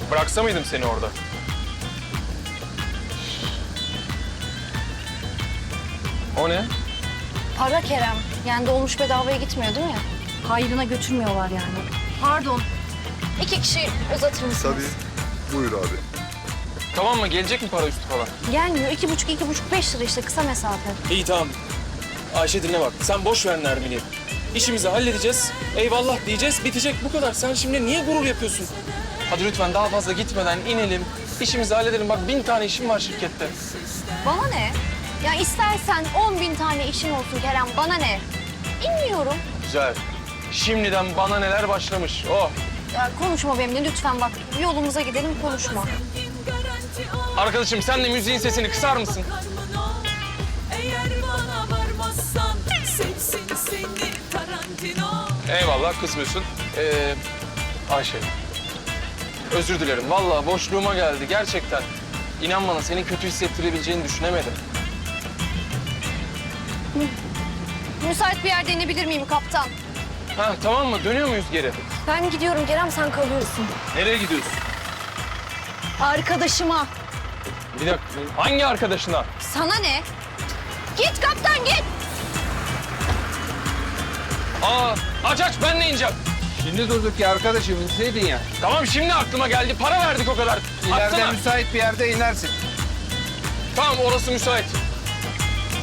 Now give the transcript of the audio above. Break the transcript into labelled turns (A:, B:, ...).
A: Bıraksa mıydım seni orada? O ne?
B: Para Kerem. Yani dolmuş bedavaya gitmiyor değil mi? Hayrına götürmüyorlar yani. Pardon. 2 kişi uzatır mısınız?
C: Tabii. Buyur abi.
A: Tamam mı? Gelecek mi para üstü falan?
B: Gelmiyor. 2,5, 5 lira işte kısa mesafe.
D: İyi tamam. Ayşe dinle bak. Sen boş ver Nermin'i. İşimizi halledeceğiz. Eyvallah diyeceğiz. Bitecek bu kadar. Sen şimdi niye gurur yapıyorsun? Hadi lütfen daha fazla gitmeden inelim. İşimizi halledelim. Bak 1000 tane işim var şirkette.
B: Bana ne? Ya istersen 10.000 tane işin olsun Kerem. Bana ne? İnmiyorum.
A: Güzel. Şimdiden bana neler başlamış. Oh.
B: Ya konuşma benimle lütfen bak. Yolumuza gidelim konuşma.
A: Arkadaşım sen de müziğin sesini kısar mısın?
E: Eğer bana varmazsan seçsin seni Tarantino.
A: Eyvallah kısmıyorsun. Ayşe. Özür dilerim. Vallahi boşluğuma geldi gerçekten. İnan bana seni kötü hissettirebileceğini düşünemedim.
B: Müsait bir yerde inebilir miyim kaptan?
A: Ha tamam mı? Dönüyor muyuz geri?
B: Ben gidiyorum Kerem sen kalıyorsun.
A: Nereye gidiyorsun?
B: Arkadaşıma.
A: Bir dakika. Hangi arkadaşına?
B: Sana ne? Git kaptan git.
A: Aç ben de ineceğim.
F: Şimdi durduk ya arkadaşım, inseydin ya.
A: Tamam şimdi aklıma geldi. Para verdik o kadar.
F: İleride
A: Atsana.
F: müsait bir yerde inersin.
A: Tamam orası müsait.